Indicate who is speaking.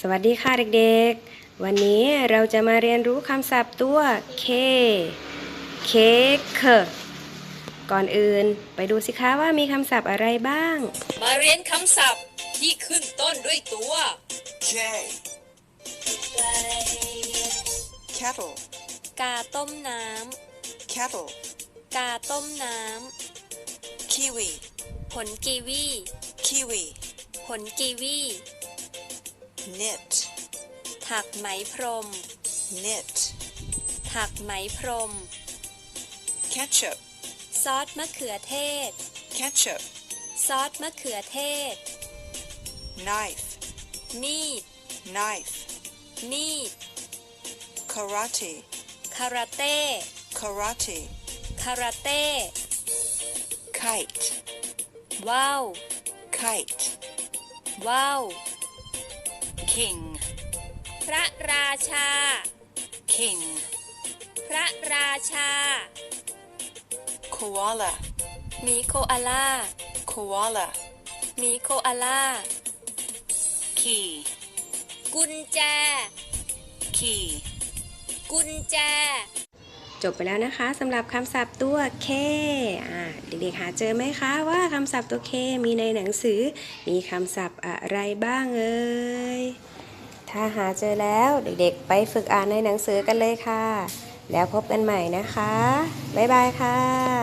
Speaker 1: สวัสดีค่ะเด็กๆ วันนี้เราจะมาเรียนรู้คำศัพท์ตัว K เค้กก่อนอื่นไปดูสิคะว่ามีคำศัพท์อะไรบ้าง
Speaker 2: มาเรียนคำศัพท์ที่ขึ้นต้นด้วยตัว
Speaker 3: K kettle
Speaker 2: กาต้มน้ำ
Speaker 3: kettle
Speaker 2: กาต้มน้
Speaker 3: kiwi
Speaker 2: ำผลกีวี
Speaker 3: kiwi
Speaker 2: ผลกีวี
Speaker 3: knit
Speaker 2: ถักไหมพรม
Speaker 3: knit
Speaker 2: ถักไหมพรม
Speaker 3: ketchup
Speaker 2: ซอสมะเขือเทศ
Speaker 3: ketchup
Speaker 2: ซอสมะเขือเทศ
Speaker 3: knife
Speaker 2: มีด
Speaker 3: knife
Speaker 2: มีด
Speaker 3: karate
Speaker 2: คาราเต้
Speaker 3: karate
Speaker 2: คาราเต้
Speaker 3: kite
Speaker 2: ว้าว
Speaker 3: kite
Speaker 2: ว้าว
Speaker 3: king
Speaker 2: พระราชา
Speaker 3: king
Speaker 2: พระราชา
Speaker 3: koala
Speaker 2: หมีโคอาล่า
Speaker 3: koala
Speaker 2: หมีโคอาล่า
Speaker 3: key
Speaker 2: กุญแจ
Speaker 3: key
Speaker 2: กุญแจ
Speaker 1: จบไปแล้วนะคะสำหรับคำศัพท์ตัว K เด็กๆหาเจอไหมคะว่าคำศัพท์ตัว K มีในหนังสือมีคำศัพท์อะไรบ้างเอ่ยถ้าหาเจอแล้วเด็กๆไปฝึกอ่านในหนังสือกันเลยค่ะแล้วพบกันใหม่นะคะบ๊ายบายค่ะ